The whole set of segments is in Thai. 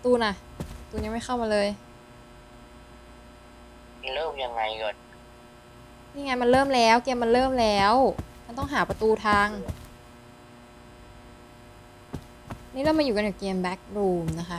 ตูนอะตูนยังไม่เข้ามาเลยเริ่มยังไงก่อนนี่ไงมันเริ่มแล้วเกมมันเริ่มแล้วมันต้องหาประตูทางนี่เรามาอยู่กันกับเกม Backroom นะคะ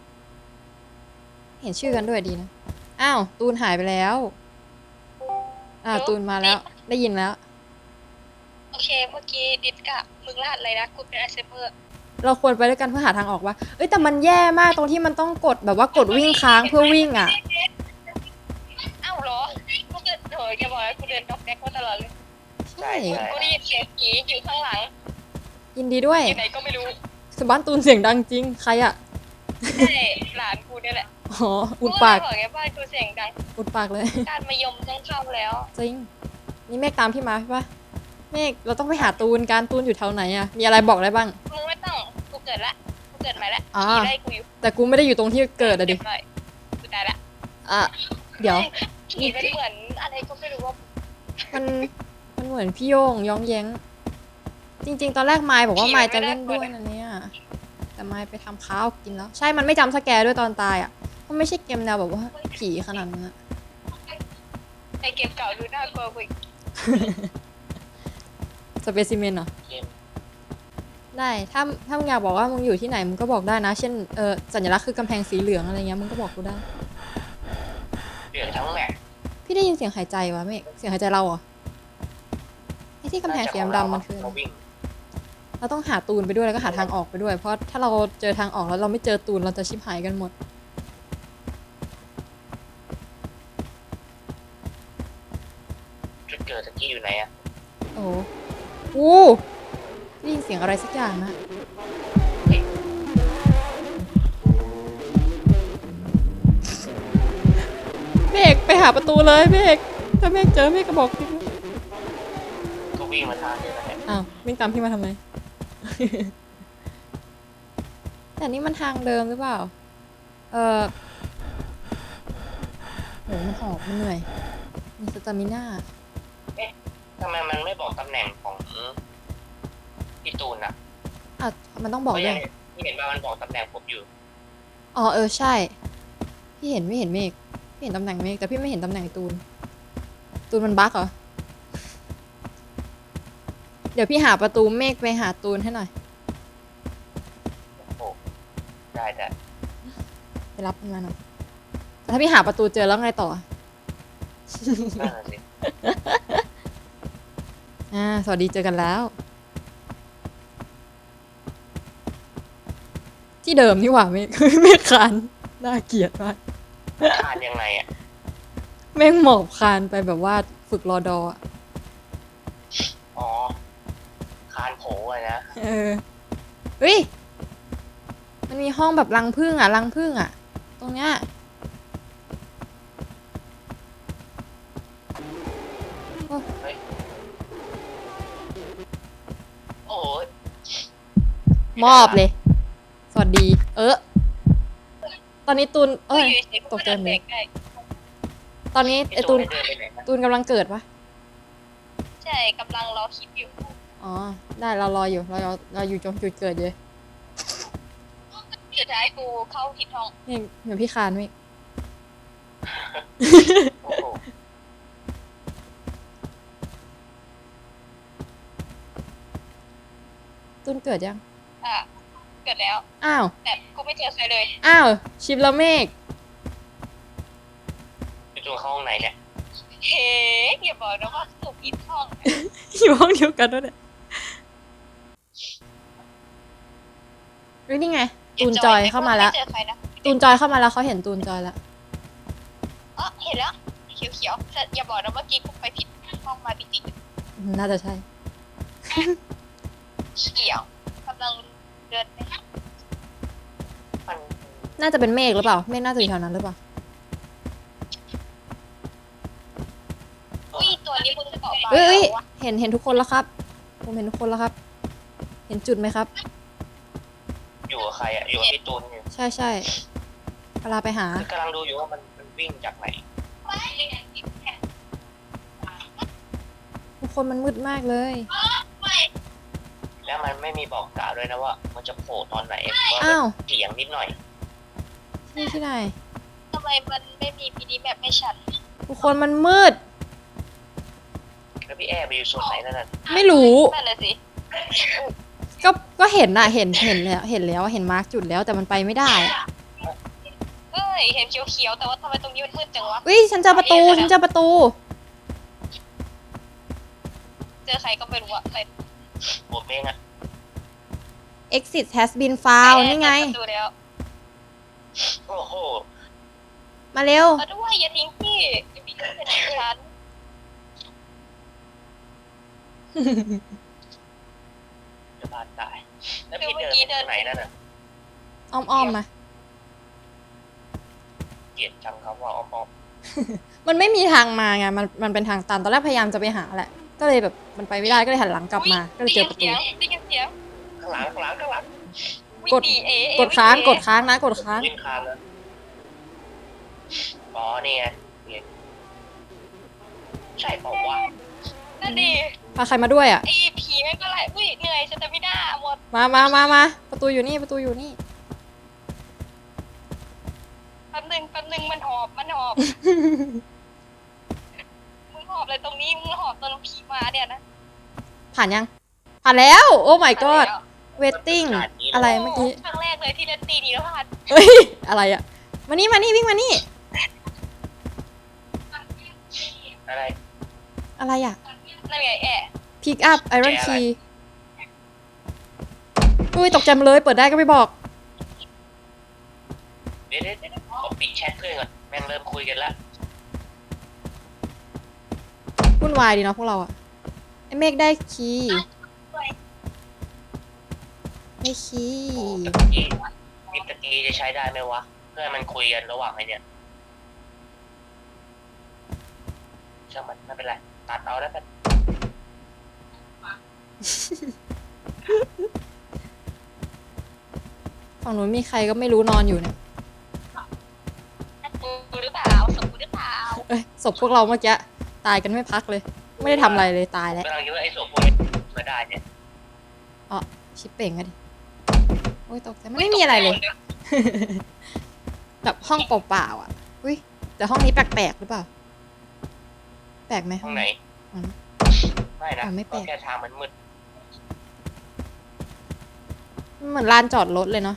เห็นชื่อกันด้วยดีนะอ้าวตูนหายไปแล้วตูนมาแล้วได้ยินแล้วโอเคเมื่อกี้ดิสกะมึงรหัสอะไรนะกูเป็นไอเซเบอร์เราควรไปด้วยกันเพื่อหาทางออกว่าเอ้ยแต่มันแย่มากตรงที่มันต้องกดแบบว่ากดวิ่งค้างเพื่อวิ่งอ่ะอ้าวเหรอกูเดินโถยจะบอกว่ากูเดินดอกแดกมาตลอดเลยใช่กูได้ยินเสียงผีอยู่ข้างหลังยินดีด้วยอยู่ไหนก็ไม่รู้สบ้านตูนเสียงดังจริงใครอ่ะใช่หลานกูเนี่ยแหละอ๋ออุดปากบอกไงบ้านกูเสียงดังอุดปากเลยการมายมต้องเข้าแล้วจริงนี่เมฆตามพี่มาใช่ปะเมฆเราต้องไปหาตูนตูนอยู่แถวไหนอ่ะมีอะไรบอกได้บ้างมึงไม่ต้องกูเกิดละกูเกิดใหม่ละอ่าผีไล่กูอยู่แต่กูไม่ได้อยู่ตรงที่เกิดอะดิเรียบร้อยกูตายละอ่ะเดี๋ยวผีมันเหมือนอะไรก็ไม่รู้ว่ามันมันเหมือนพี่โย่งย้องแย้ง จริง ๆ ตอนแรกไมค์บอกว่าไมค์จะเล่นด้วยนะเนี่ยแต่ไมค์ไปทำข้าวกินแล้ว ใช่มันไม่จำสแกร์ด้วยตอนตายอ่ะมันไม่ใช่เกมแนวแบบว่าผีขนาดนั้นอะในเกมเก่าดูน่ากลัวกว่าอีกสเปซิเมนเหรอเกมได้ถ้ามึงอยากบอกว่ามึงอยู่ที่ไหนมึงก็บอกได้นะ เช่นสัญลักษณ์คือกำแพงสีเหลืองอะไรเงี้ยมึงก็บอกกูได้เปลี่ยนทั้งแมปพี่ได้ยินเสียงหายใจวะเมฆเสียงหายใจเราเหรอไอ้ที่กำแพงสีดำๆมันคืออะไรเราวิ่งเราต้องหาตูนไปด้วยแล้วก็หาทางออกไปด้วย เพราะถ้าเราเจอทางออกแล้วเราไม่เจอตูนเราจะชิบหายกันหมดจุดเกิดตะกี้อยู่ไหนอะโอ้โหอู้ได้ยินเสียงอะไรสักอย่างนะเมฆไปหาประตูเลยเมฆถ้าเมฆเจอเมฆก็บอกพี่ก็วิ่งมาทางเดียวกันเนี่ยอ้าววิ่งตามพี่มาทำไม แต่นี่มันทางเดิมหรือเปล่าโหมันหอบมันเหนื่อยมีสตามิน่าทำไมมันไม่บอกตำแหน่งของพี่ตูนอะอ่ะมันต้องบอกเพราะด้ยัวงยที่เห็นว่ามันบอกตำแหน่งผมอยู่อ๋อใช่ พี่เห็นไม่เห็นเมฆพี่เห็นตำแหน่งเมฆแต่พี่ไม่เห็นตำแหน่งตูน ตูนมันบั๊กเหรอ เดี๋ยวพี่หาประตูเมฆไปหาตูนให้หน่อยโอ้ได้แต่ไปรับมันมาหน่อยแต่ถ้าพี่หาประตูเจอแล้วไงต่อนั่นน่ะสิสวัสดีเจอกันแล้ว ที่เดิมนี่หว่าเมฆ เมฆคานน่าเกลียดมากคานยังไงอะเมฆหมอบคานไปแบบว่าฝึกรอดออะอ๋อคานโผล่อะนะเฮ้ย มันมีห้องแบบรังผึ้งอ่ะรังผึ้งอ่ะ ตรงเนี้ยโอ้ยมอบเลย สวัสดี ตอนนี้ตูนกูอยู่เฉยๆกูตกใจเดินหมเบรดกได้ตอนนี้ไอพี่ตูนเดินไปไหนนะตูนกำลังเกิดปะใช่กำลังรอคลิปอยู่อ๋อ ได้เรารออยู่ เราอยู่ตรงจุดเกิดอยู่สุดท้ายกูเข้าผิดห้องนี่เหมือนพี่คานไหมโอ้โหตูนเกิดยังอ่ะเกิดแล้วอ้าวแต่กูไม่เจอใครเลยอ้าว ชิปแล้วเมฆพี่ตูนเข้าห้องไหนเนี่ยเฮ้อย่าบอกนะว่ากูผิดห้องอยู่ห้องเดียวกันด้วยเนี่ยนี่ไง ตูนจอยเข้ามาแล้วไเจอใครนะตูนจอยเข้ามาแล้วเขาเห็นตูนจอยแล้วอ๋อเห็นแล้วเขียวๆแต่อย่าบอกนะเมื่อกี้กูไปผิดห้องมาจริงน่าจะใช่ๆเขียวกำลังเดินไปมันน่าจะเป็นเมฆหรือเปล่า เมฆน่าจะอยู่แถวนั้นหรือเปล่าอุ้ยตัวนี้มึงจะบอกว่าเอ้ยวะเห็นทุกคนแล้วครับ ผมเห็นทุกคนแล้วครับ เห็นจุดไหมครับอยู่กับใครอะอยู่กับพี่ตูนอยู่ใช่เวลาไปหากำลังดูอยู่ว่ามันวิ่งจากไหนทุกคนมันมืดมากเลยแล้วมันไม่มีบอกกล่าวด้วยนะว่า มันจะโผล่ตอนไหนว่าอ้าวเสียงนิดหน่อยนี่ที่ไหนทำไมมันไม่มีพีดีแมปให้ฉันทุกคนมันมืดแล้วพี่แอร์ไปอยู่โซนไหนนั่นน่ะไม่รู้นั่นแหละสิก็เห็นน่ะเห็นแล้วเห็นมาร์กจุดแล้วแต่มันไปไม่ได้อะเอ้ย เห็นเขียวๆ แต่ว่าทำไมตรงนี้มันมืดจังวะอุ้ยฉันเจอประตูเจอใครก็ไม่รู้อะใครผมเองอะ exit has been found นี่ไงเจอประตูแล้วโอ้โหมาเร็วเอาด้วยอย่าทิ้งพี่อย่าทิ้งฉันจะบาดตายแล้วพี่เดินไปตรงไหนนั่นน่ะอ้อมมาเกลียดจังครับว่าอ้อมมันไม่มีทางมาไงมันเป็นทางตันตอนแรกพยายามจะไปหาแหละ ก็เลยแบบมันไปไม่ได้ก็เลยหันหลังกลับมา ก็เลยเจอประตูได้ยินเสียงๆข้างหลังวิ่งกดหนีเอ๋กดค้างกดค้างนะกดค้างวิ่งคานแล้วอ๋อนี่ไงนี่ใช่เปล่าวะนั่นดิพาใครมาด้วยอ่ะไอ้ผีแม่งก็ไล่อุ้ยเหนื่อยฉันจะไม่ได้หมดมาประตูอยู่นี่แป๊บนึงมันหอบ มึงหอบอะไรตรงนี้ มึงหอบตอนผีมาเนี่ยนะผ่านยัง ผ่านแล้ว โอ้ my god waiting อะไรเมื่อกี้ครั้งแรกเลยที่เล่นตีนี้แล้วพลาดเฮ้ย อะไรอ่ะ มานี่วิ่งมานี่อะไรอะไรอ่ะนั่นไงแอะ pick up iron แกอะไร key อุ้ยตกใจมาเลย เปิดได้ก็ไม่บอกเดี๋ยวผมปิดแชทเพื่อนก่อนแม่งเริ่มคุยกันแล้ววุ่นวายดีเนาะพวกเราอะไอเมฆได้คีย์ได้คีโอ้ย์ตะกี้ปิดตะกี้จะใช้ได้ไหมวะเพื่อนมันคุยกันระหว่างไอ้เนี่ยช่างมันไม่เป็นไรตัดเอาแล้วกันฝั่งนู้นมีใครก็ไม่รู้นอนอยู่เนี่ยกูหรือเปล่าสมกูหรือเปล่าเอ้ยศพพวกเราเมื่อกี้ตายกันไม่พักเลย ไม่ได้ทำอะไรเลยตายแล้วกำลังคิดว่าไอ้ศพพวกนี้มาได้เนี่ยชิปเป่งอะดิโอ้ยตกใจมันไม่มีอะไรเลย แบบห้องเปล่าๆอ่ะอุ้ยแต่ห้องนี้แปลกๆหรือเปล่า แปลกไหมห้องไหนอืมไม่นะไม่แปลกก็แค่ทางมันมืดเหมือนลานจอดรถเลยเนาะ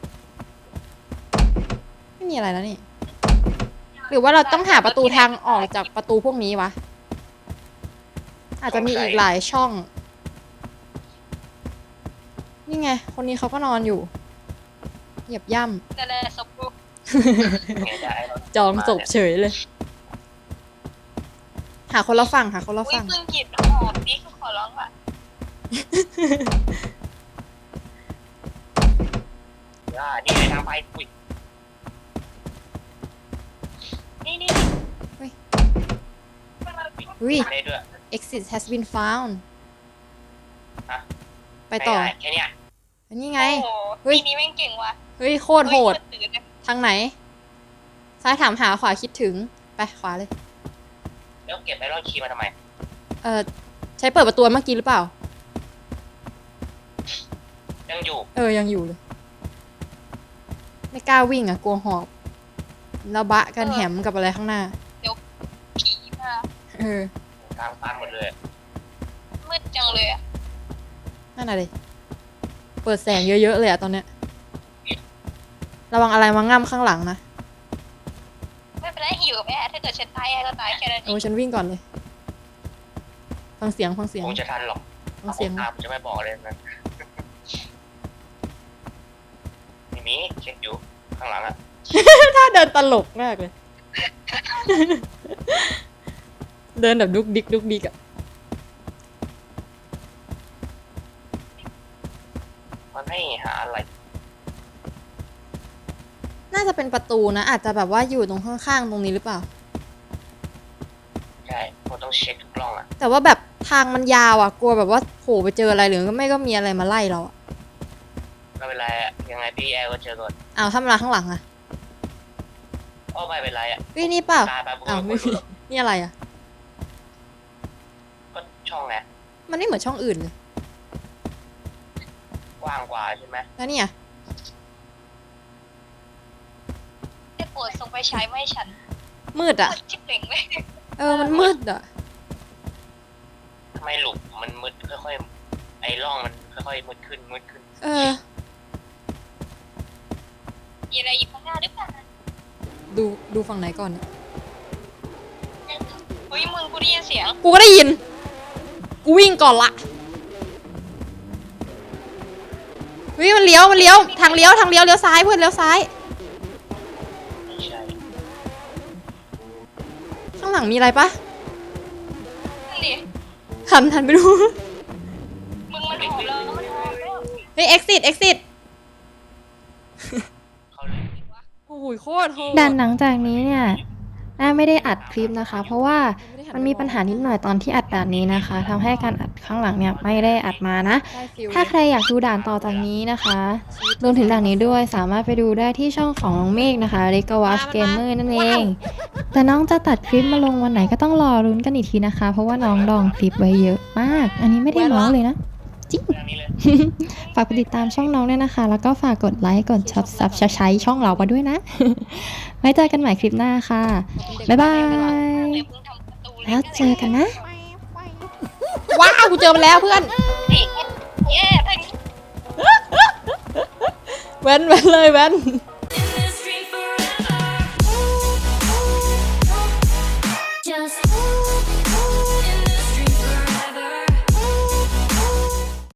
ไม่มีอะไรแล้วนี่ หรือว่าเราต้องหาประตูทางออกจากประตูพวกนี้วะ อาจจะมีอีกหลายช่อง นี่ไง คนนี้เขาก็นอนอยู่ เหยียบย่นั่นแหละสมกูไงได้แล้วำจองศพเฉยเลย หาคนละฝั่งอุ้ยเพิ่งหยิบหอบนี่คือขอร้องอ่ะนี่เลยทางไปอุ้ยนี่อุ้ยได้ด้วย exit has been found ฮะไปต่อม่ด้แค่เนี้ยอันนี้ไงโอ้เฮ้ยทีนี้แม่งเก่งว่ะเฮ้ย โคตรโหดตื่นเลยทางไหน ซ้ายถามหาขวาคิดถึง ไปขวาเลยแล้วเก็บไอรอนคีย์มาทำไมใช้เปิดประตูเมื่อกี้หรือเปล่ายังอยู่ยังอยู่เลย ไม่กล้าวิ่งอ่ะ กลัวหอบ แล้วบะกันแหมกับอะไรข้างหน้าผีมาทางตันหมดเลยมืดจังเลยอะนั่นอะไรเปิดแสงเยอะๆเลยอะตอนเนี้ย ระวังอะไรมาง่ำข้างหลังนะไม่เป็นไรหิวกับแอะถ้าเกิดฉันตายแอะก็ตายแค่นั้นเอโอ้งฉันวิ่งก่อนเลย ฟังเสียงคงจะทันหรอกฟังเสียงตามจะไม่บอกเลยนะไม่มีเช็คอยู่ข้างหลังอะถ้าเดินตลกมากเลย เดินแบบดุกดิกอะมันให้หาอะไรน่าจะเป็นประตูนะ อาจจะแบบว่าอยู่ตรงข้างๆตรงนี้หรือเปล่าใช่ผมต้องเช็คทุกกล้องอะแต่ว่าแบบทางมันยาวอ่ะ กลัวแบบว่าโผล่ไปเจออะไรหรือไม่ก็มีอะไรมาไล่เราอ่ะไม่เป็นไรอะยังไงพี่แอร์ก็เจอก่อนอ้าวถ้ามาข้างหลังอ่ะอ้อไม่เป็นไรอะเฮ้ยนี่เปล่าตายไปบุกอ้าวไม่มีนี่อะไรอ่ะก็ช่องไงมันไม่เหมือนช่องอื่นเลยกว้างกว่าใช่ไหมแล้วเนี่ยปรดส่งไปใช้ไม่ให้ฉันมืดอ่ะชิบเป่งเลยมันมืดอ่ะทำไมหลุมมันมืดค่อยๆไอ้ร่องมันค่อยๆมืดขึ้นมืดขึ้นมีอะไรอยู่ข้างหน้าหรือเปล่าดูฝั่งไหนก่อนเนี่ยเฮ้ยมึงกูได้ยินเสียงกูก็ได้ยิน กูวิ่งก่อนละเฮ้ยมันเลี้ยวทางเลี้ยวเลี้ยวซ้ายเพื่อนเลี้ยวซ้ายไม่ใช่ข้างหลังมีอะไรปะนั่นดิหันไปดูมึงมันหอมแล้วมันหอมแล้วเฮ้ย exit เขาเลยโอ้ยโคตรโหดด่านหลังจากนี้เนี่ยน่าไม่ได้อัดคลิปนะคะ เพราะว่ามันมีปัญหานิดหน่อยตอนที่อัดด่านนี้นะคะทำให้การอัดข้างหลังเนี่ยไม่ได้อัดมานะได้ฟิลถ้าใครอยากดูด่านต่อจากนี้นะคะรวมถึงด่านนี้ด้วยสามารถไปดูได้ที่ช่องของน้องเมฆนะคะเรกวัชเกมเมอร์นั่นเอง แต่น้องจะตัดคลิปมาลงวันไหนก็ต้องรอรุ้นกันอีกทีนะคะ เพราะว่าน้องดองคลิปไว้เยอะมาก อันนี้ไม่ได้เมาส์เลยนะเรื่องนี้เลยฝากไปติดตามช่องน้องด้วยนะคะ แล้วก็ฝากกดไลค์กดซับใช้ช่องเรามาด้วยนะ ไว้เจอกันใหม่คลิปหน้าค่ะ บ๊ายบายเลยมึงทำประตูแล้วเจอกันนะว้าวกูเจอมันแล้วเพื่อนนี่แย่ทั้งแว้นเลยแว้น